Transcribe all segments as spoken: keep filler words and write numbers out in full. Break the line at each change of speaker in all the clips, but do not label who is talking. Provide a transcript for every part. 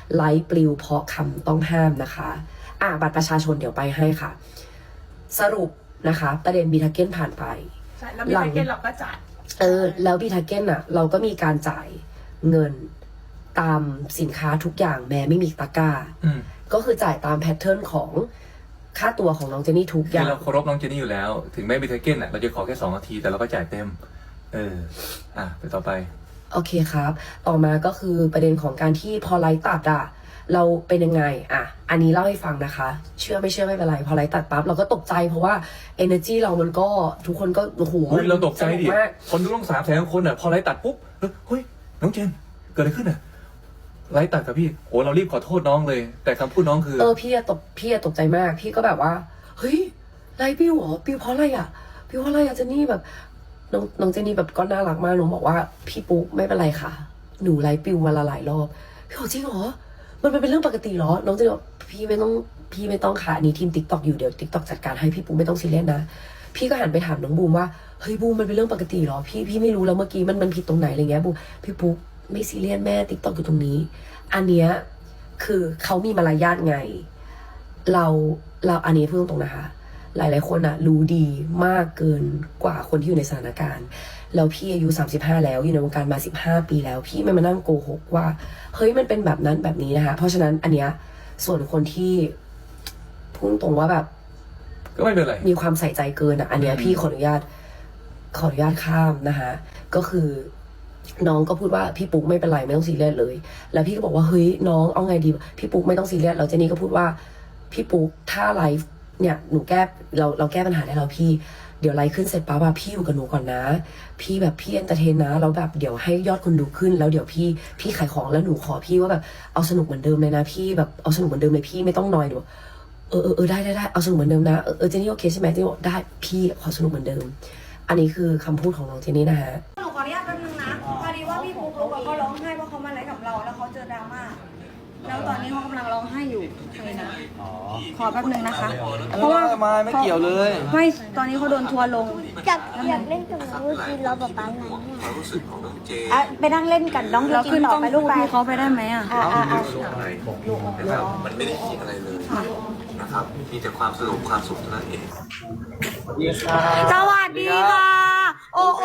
ไลฟ์ปลิวเพราะคำต้องห้ามนะคะอ่ะบัตรประชาชนเดี๋ยวไปให้ค่ะ สรุปนะคะประเด็นบีทาเก้นผ่านไป
ใช่แล้วบีทาเก้นเราก็จ่าย
เออแล้วบีทาเก้นอ่ะเราก็มีการจ่ายเงินตามสินค้าทุกอย่างแม้ไม่มีตะกร้าก็คือจ่ายตามแพทเทิร์นของค่าตัวของน้องเจนนี่ทุกอย่าง
เราเคารพน้องเจนนี่อยู่แล้วถึงแม้บีทาเก้นอ่ะเราจะขอแค่สองนาทีแต่เราก็จ่ายเต็มเอออ่ะไปต่อไป
โอเคครับต่อมาก็คือประเด็นของการที่พอไลฟ์ตัดอะเราเป็นยังไงอ่ะอันนี้เล่าให้ฟังนะคะเชื่อไม่เชื่อไม่เป็นไรพอไลฟ์ตัดปั๊บเราก็ตกใจเพราะว่า energy เรามันก็ทุกคนก็โอ้โห
เราตกใจดิคนดูต้องสามแสนคนอ่ะพอไลฟ์ตัดปุ๊บเฮ้ยน้องเจนเกิดอะไรขึ้นอ่ะไลฟ์ตัดกับพี่โอ้เรารีบขอโทษน้องเลยแต่คำพูดน้องคือ
เออพี่ตกพี่ตกใจมากพี่ก็แบบว่าเฮ้ยไลฟ์ปิวเหรอปิวเพราะอะไรอ่ะปิวเพราะอะไรอ่ะเจนนี่แบบน้องน้องเจนนี่แบบก็น่ารักมากน้องบอกว่าพี่ปุ๊กไม่เป็นไรค่ะหนูไลฟ์ปิววันละหลายรอบพี่บอกจริงเหรอมันเป็นเรื่องปกติเหรอน้องเจนบอกพี่ไม่ต้องพี่ไม่ต้องค่ะนี่ทีมติ๊กต็อกอยู่เดี๋ยวติ๊กต็อกจัดการให้พี่ปุ๊กไม่ต้องซีเรียสนะพี่ก็หันไปถามน้องบูมว่าเฮ้ยบูมมันเป็นเรื่องปกติเหรอพี่พี่ไม่รู้แล้วเมื่อกี้มันมันผิดตรงไหนอะไรเงี้ยบูมพี่ปุ๊กไม่ซีเรียสแม่ติ๊กต็อกอยู่ตรงนี้อันเนี้ยคือเขามีมารยาทไงเราเราอันนี้พูดตรงๆนะคะหลายๆคนอะรู้ดีมากเกินกว่าคนที่อยู่ในสถานการณ์แล้วพี่อายุสามสิบห้าแล้วอยู่ในวงการมาสิบห้าปีแล้วพี่ไม่มานั่งโกหกว่าเฮ้ยมันเป็นแบบนั้นแบบนี้นะคะเพราะฉะนั้นอันเนี้ยส่วนคนที่พูดตรงว่าแบบ
ก็ไม่เป็นไร
มีความใส่ใจเกินอะอันเนี้ยพี่ขออนุญาตขออนุญาตข้ามนะคะก็คือน้องก็พูดว่าพี่ปุ๊กไม่เป็นไรไม่ต้องซีเรียสเลยแล้วพี่ก็บอกว่าเฮ้ยน้องเอาไงดีพี่ปุ๊กไม่ต้องซีเรียสแล้วเจนนี่ก็พูดว่าพี่ปุ๊กถ้าไลฟ์เนี่ยหนูแก้เราเราแก้ปัญหาได้แล้วพี่เดี๋ยวไลฟ์ขึ้นเสร็จปั๊บอะพี่อยู่กับหนูก่อนนะพี่แบบพี่เอนเตอร์เทนนะแล้วแบบเดี๋ยวให้ยอดคนดูขึ้นแล้วเดี๋ยวพี่พี่ขายของแล้วหนูขอพี่ว่าแบบเอาสนุกเหมือนเดิมเลยนะพี่แบบเอาสนุกเหมือนเดิมเลยพี่ไม่ต้องนอยหนูเออเออเออได้ได้ได้เอาสนุกเหมือนเดิมนะเออเออเจนนี่โอเคใช่ไหมเจนนี่บอกได้พี่ขอสนุกเหมือนเดิมอันนี้คือคำพูดของน้องเจนนี่นะฮะ
หนูขออนุญาตแป๊บนึงนะพอดีว่าพี่ปุ๊กลุ๊กเขาร้องไห้เพราะเขามาไลฟ์กับเราแล้วเขาเจอดราม่าแล้วตอนนี้เขากำลังร้องไห้อยู่ใครนะขอแป๊บนึงนะคะเพราะว่า
มาไม่เกี่ยวเลย
ไม่ตอนนี้เขาโดนทัวร์ลง
อยากอยากเล่นกับน้องยูจินเราแบบปานไหนเนี่ย
อ่ะไปนั่งเล่นกันน้องยูจินต่อไปลูกพี่เขาไปได้ไหมอ่ะอ่าอ่าอ่า
มันไม่ได้ผิดอะไรเลยนะครับมีแต่ความสนุกความสุขเท่านั้นเอง
สวัสดีค่ะโอ้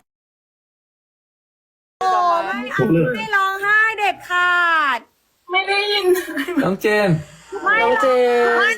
โอ้ไม่ไม่ร้องไห้เด็ดขาด
ไม่ได้ยิน
น้องเจน
น้องเจน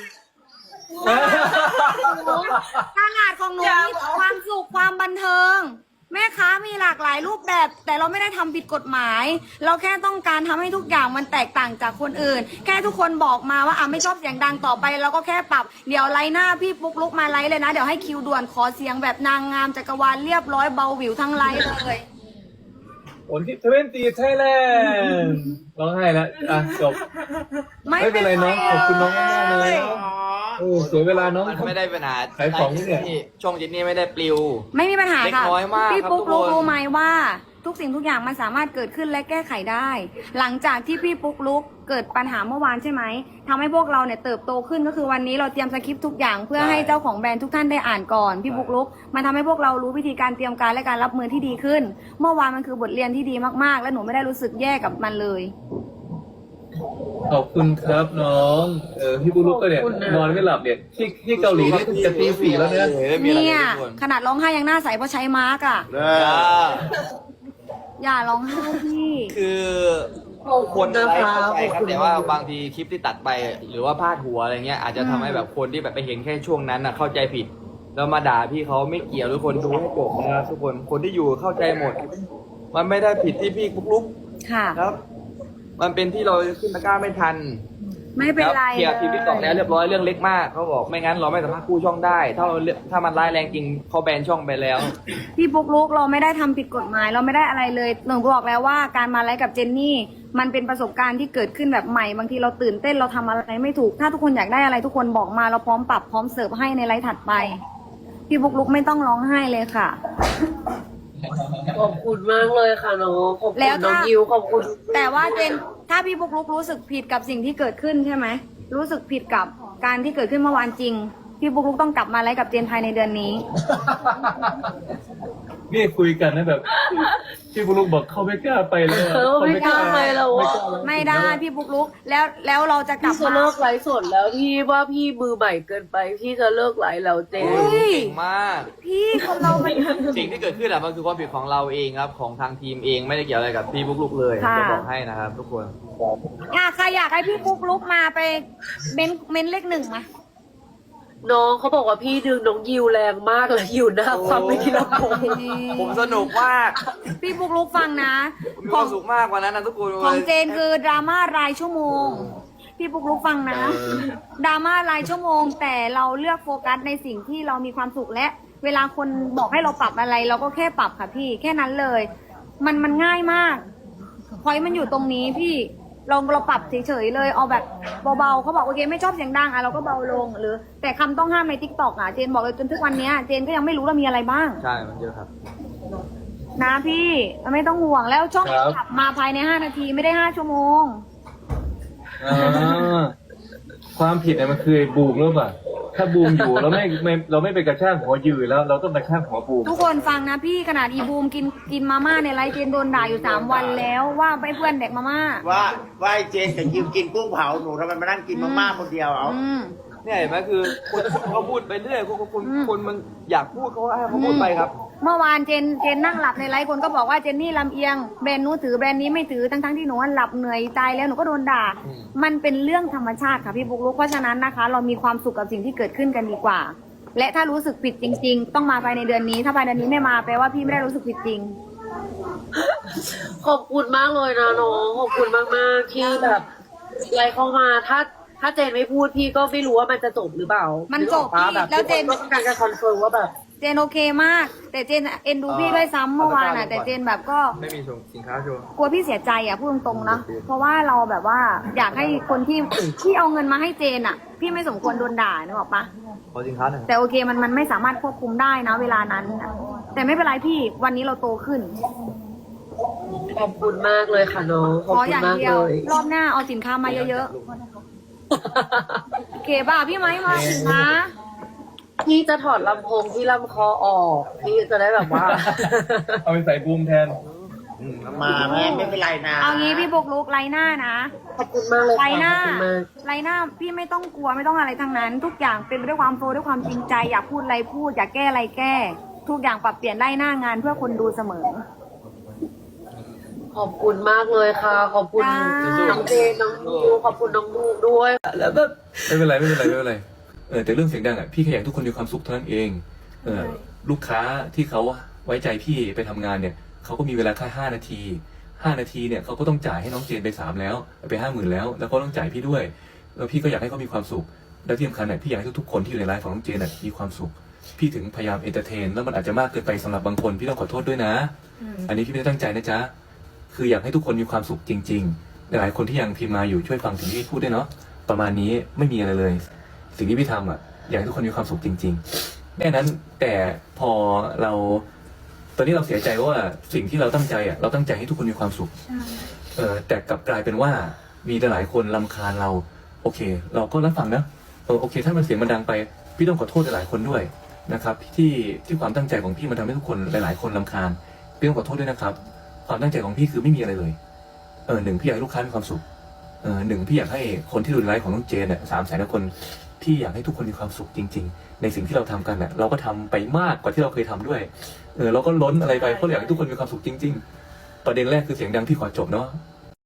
ตลาดของหนูมีความสุขความบันเทิงแม่ค้ามีหลากหลายรูปแบบแต่เราไม่ได้ทำผิดกฎหมายเราแค่ต้องการทำให้ทุกอย่างมันแตกต่างจากคนอื่นแค่ทุกคนบอกมาว่าอ่ะไม่ชอบเสียงดังต่อไปเราก็แค่ปรับเดี๋ยวไลน์หน้าพี่ปุ๊กลุกมาไลน์เลยนะเดี๋ยวให้คิวด่วนขอเสียงแบบนางงามจักรวาลเรียบร้อยเบาหวิวทั้งไลน์เลย
ผลที่ทเวนตีไทยแลนด์ร้องไห้แล้วอ่ะจบไม่เป็นไรน้องขอบคุณน้องมากเลยโอ้เสียเวลาน้อง
ไม่ได้ปัญหา
ขายของนี่เนี่ย
ช่องจินนี่ไม่ได้ปลิว
ไม่มีปัญหาค่ะพี่ปุ๊กลุกรู้ไหมว่า ทุกสิ่งทุกอย่างมันสามารถเกิดขึ้นและแก้ไขได้หลังจากที่พี่ปุ๊กลุกเกิดปัญหาเมื่อวานใช่ไหมทำให้พวกเราเนี่ยเติบโตขึ้นก็คือวันนี้เราเตรียมสคริปต์ทุกอย่างเพื่อให้เจ้าของแบรนด์ทุกท่านได้อ่านก่อนพี่ปุ๊กลุกมันทำให้พวกเรารู้วิธีการเตรียมการและการรับมือที่ดีขึ้นเมื่อวานมันคือบทเรียนที่ดีมากๆและหนูไม่ได้รู้สึกแย่กับมันเลย
ขอบคุณครับน้องเออพี่ปุ๊กลุกก็เนี่ยนอนไม่หลับเนี่ยที่ที่เกาหลีนี่จะตีสี่แล้วเนี่ย
เนี่ยขนาดร้องไห้ยังหน้าใสเพราะใช้มาร์กอ่ะอย่าร้องไห้พี่
คือคนไลฟ์เข้าใจครับแต่ว่าบางทีคลิปที่ตัดไปหรือว่าพาดหัวอะไรเงี้ยอาจจะทำให้แบบคนที่แบบไปเห็นแค่ช่วงนั้นน่ะเข้าใจผิดแล้วมาด่าพี่เขาไม่เกี่ยวทุกคนดูให้จบนะครับทุกคนคนที่อยู่เข้าใจหมดมันไม่ได้ผิดที่พี่ปุ๊กลุก
ค่ะ
ครับมันเป็นที่เราขึ้นตะกร้าไม่ทัน
ไม่เป็นไร
เคลียร์ทีวีต่อแล้วเรียบร้อยเรื่องเล็กมากเขาบอกไม่งั้นเราไม่สามารถกู้ช่องได้ถ้าเราถ้ามันร้ายแรงจริงเขาแบนช่องไปแล้ว
พี่ปุ๊กลุกเราไม่ได้ทำผิดกฎหมายเราไม่ได้อะไรเลยหนูบอกแล้วว่าการมาไลฟ์กับเจนนี่มันเป็นประสบการณ์ที่เกิดขึ้นแบบใหม่บางทีเราตื่นเต้นเราทำอะไรไม่ถูกถ้าทุกคนอยากได้อะไรทุกคนบอกมาเราพร้อมปรับพร้อมเสิร์ฟให้ในไลฟ์ถัดไปพี่ปุ๊กลุกไม่ต้องร้องไห้เลยค่ะ
ขอบคุณมากเลยค่ะน้องขอบคุณน้องยิวขอบคุณ
แต่ว่าเจนถ้าพี่ปุ๊กลุกรู้สึกผิดกับสิ่งที่เกิดขึ้นใช่ไหมรู้สึกผิดกับการที่เกิดขึ้นเมื่อวานจริงพี่ปุ๊กลุกต้องกลับมาไลฟ์กับเจนภายในเดือนนี้
นี่คุยกันนะแบบพี่บุลุกบอกเขาไม่กล้าไปเลยอะ
เออไม่กล้าไปแล้วอะ
ไม่ได้พี่ปุ๊กลุกแล้วแล้วเราจะกลั
พี่
บ
จะ
มา
เลิกไลฟ์สดแล้วพี่ว่าพี่มือใหม่เกินไป พี่จะเลิกไลฟ์แล้วเจ
เฮ้ย
เก่งมาก
พี่คนเรามัน
สิ่งที่เกิดขึ้นอะมันคือความผิดของเราเองครับ ของทางทีมเองไม่ได้เกี่ยวอะไรกับพี่บุกลุกเลย
ค่ะ
จะบอกให้นะครับ ทุกคน
อ่ะใครอยากให้พี่ปุ๊กลุกมาไปเม้นเม้นเลขหนึ่งมา
น้องเขาบอกว่าพี่ดึงน้องยิวแรงมากเลยอยู่หน้าความไม่คิดละผม
ผมสนุกมาก
พี่ปุ๊กลุกฟังนะ
มี
ข
ค
อ
วาง มสุขมากกว่านั้นนะทุกคน
ของเจนคือดราม่ารายชั่วโมง พี่ปุ๊กลุกฟังนะดราม่ารายชั่วโมง แต่เราเลือกโฟกัสในสิ่งที่เรามีความสุขและ เวลาคนบอกให้เราปรับอะไร เราก็แค่ปรับค่ะพี่แค่นั้นเลย มันมันง่ายมากพอยมันอยู่ตรงนี้พี่เราเราปรับเฉยๆเลยเอาแบบเบาๆเขาบอกโอเคไม่ชอบเสียงดังอ่ะเราก็เบาลงหรือ แต่คำต้องห้ามในทิกตอกอ่ะเจนบอกเลยจนทุกวันเนี้ยเจนก็ยังไม่รู้ว่ามีอะไรบ้าง
ใช่มันเยอะครับ
นะพี่ไม่ต้องห่วงแล้วช่อง
ครับ
ขับมาภายในห้านาทีไม่ได้ห้าชั่วโมง
อ่าความผิดเนี่ยมันคือบูมหรือเปล่าถ้าบูมอยู่เราไม่ไม่เราไม่ไปกระชากหัวยืนแล้ว เราต้องกระชากหัวบูม
ทุกคนฟังนะพี่ขนาดอีบูมกินกินมาม่าในไลฟ์เจนโดนด่าอยู่สามวันแล้วว่าไปเพื่อนเด็กมาม่า
ว่าว่าไอ้เจนกับยิวกินกุ้งเผาหนูทำไมมานั่งกินมาม่าคนเดียวเอา
อืม
เนี่ยเห็นไหมคือคนคนเขาพูดไปเรื่อยคนคน
อืม
คนมันอยากพูดเขาให้เขาพูดไปครับ
เมื่อวานเจนเจนนั่งหลับในไลฟ์คนก็บอกว่าเจนนี่ลำเอียงแบรนด์นู้นถือแบรนด์นี้ไม่ถือทั้งทั้งๆที่หนูหลับเหนื่อยตายแล้วหนูก็โดนด่า
อืม
มันเป็นเรื่องธรรมชาติค่ะพี่บุ๊กลุกเพราะฉะนั้นนะคะ เรามีความสุขกับสิ่งที่เกิดขึ้นกันดีกว่า และถ้ารู้สึกผิดจริง ๆ ต้องมาภายในเดือนนี้ ถ้าภายในเดือนนี้ไม่มาแปลว่าพี่ไม่ได้รู้สึกผิดจริง
ขอบคุณมากเลยนะน้องขอบคุณมากมากๆที่แบบไลฟ์เข้ามาถ้าถ้าเจนไม่พูดพี่ก็ไม่รู้ว่ามันจะจบหรือเปล่า
มั
มัน
จบพี่แล้วเจน
ต้องการจะคอนเฟิร์มว่าแบบ
เจนโอเคมาก แต่เจนเอ็นดูพี่ด้วยซ้ำเมื่อวานอ่ะแต่เจนแบบก็
ไม่มีส่งสินค้าโชว์
กลัวพี่เสียใจอ่ะพูดตรงๆนะเพราะว่าเราแบบว่าอยากให้คนที่ที่เอาเงินมาให้เจนอ่ะ พี่ไม่สมควรโดนด่านึกออกปะ
ขอสินค้าหน่อย
แต่โอเคมันมันไม่สามารถควบคุมได้นะเวลานั้นน่ะแต่ไม่เป็นไรพี่วันนี้เราโตขึ้น
ขอบคุณมากเลยค่ะน้องขอบ
ขอ
คุ
อ
ณ
ย่าง
มาก
เดี
เล
ยวย รอบหน้าเอาสินค้ามาเยอะๆโอเคป่ะพี่ไม้มาสินค้า
พี่จะถอดลำโพงที่ลำคอออกพี่จะได้แบบว่า
เอาไปใส่บูมแทน
มาแม่ไม่เป็นไรนะ
เอางี้พี่บุกลุกไลหน้านะ
ขอบคุณมากเลย
ไล
ค่ะ
หน้า
ขอบคุณมาก
ไลหน้าพี่ไม่ต้องกลัวไม่ต้องอะไรทั้งนั้น ทุกอย่างเป็นไปด้วยความโฟร์ด้วยความจริงใจอยากพูดอะไรพูดอยากแก้อะไรแก้ ทุกอย่างปรับเปลี่ยนไล่หน้างานเพื่อคนดูเสมอ
ขอบคุณมากเลยค่ะ ขอบคุณ
จ้า
น้องเจนน้องนิวขอบคุณน้องลูกด้วยแล้วแบบ
ไม่เป็นไรไม่เป็นไรไม่เป็นไรเออแต่เรื่องเสียงดังอ่ะพี่แค่อยากให้ทุกคนมีความสุขเท่านั้นเองเออลูกค้าที่เขาไว้ใจพี่ไปทำงานเนี่ยเขาก็มีเวลาแค่ห้านาทีห้านาทีเนี่ยเขาก็ต้องจ่ายให้น้องเจนไปสามแล้วไปห้าหมื่นแล้วแล้วก็ต้องจ่ายพี่ด้วยแล้วพี่ก็อยากให้เขามีความสุขและที่สำคัญเนี่ยพี่อยากให้ทุกๆคนที่อยู่ในไลฟ์ของน้องเจนน่ะมีความสุขพี่ถึงพยายามเอนเตอร์เทนแล้วมันอาจจะมากเกินไปสำหรับบางคนพี่ต้องขอโทษด้วยนะ อันนี้พี่ไม่ได้ตั้งใจนะจ๊ะคืออยากให้ทุกคนมีความสุขจริงๆหลายๆคนที่ยังพิมพ์มาอยู่ช่วยฟังถึงที่พี่พูดด้วยเนาะประมาณนี้ไม่มีอะไรเลย สิ่งที่พี่ทำอ่ะอยากให้ทุกคนมีความสุขจริงๆแค่นั้นแต่พอเราตอนนี้เราเสียใจว่าสิ่งที่เราตั้งใจอ่ะเราตั้งใจให้ทุกคนมีความสุขเออแต่กลับกลายเป็นว่ามีหลายๆคนรำคาญเราโอเค เราก็รับฟังนะเออโอเค ถ้ามันเสียงมันดังไปพี่ต้องขอโทษหลายๆคนด้วยนะครับที่ที่ความตั้งใจของพี่มันทำให้ทุกคนหลายๆคนรำคาญพี่ต้องขอโทษด้วยนะครับความตั้งใจของพี่คือไม่มีอะไรเลยเออหนึ่งพี่อยากให้ลูกค้ามีความสุขเออหนึ่งพี่อยากให้คนที่ดูไลฟ์ของน้องเจนเนี่ยสามแสนคนพี่อยากให้ทุกคนมีความสุขจริงๆในสิ่งที่เราทำกันเน่ะเราก็ทำไปมากกว่าที่เราเคยทำด้วยเออเราก็ล้นอะไรไปเพราะอยากให้ทุกคนมีความสุขจริง ๆ ประเด็นแรกคือเสียงดังพี่ขอจบเนาะ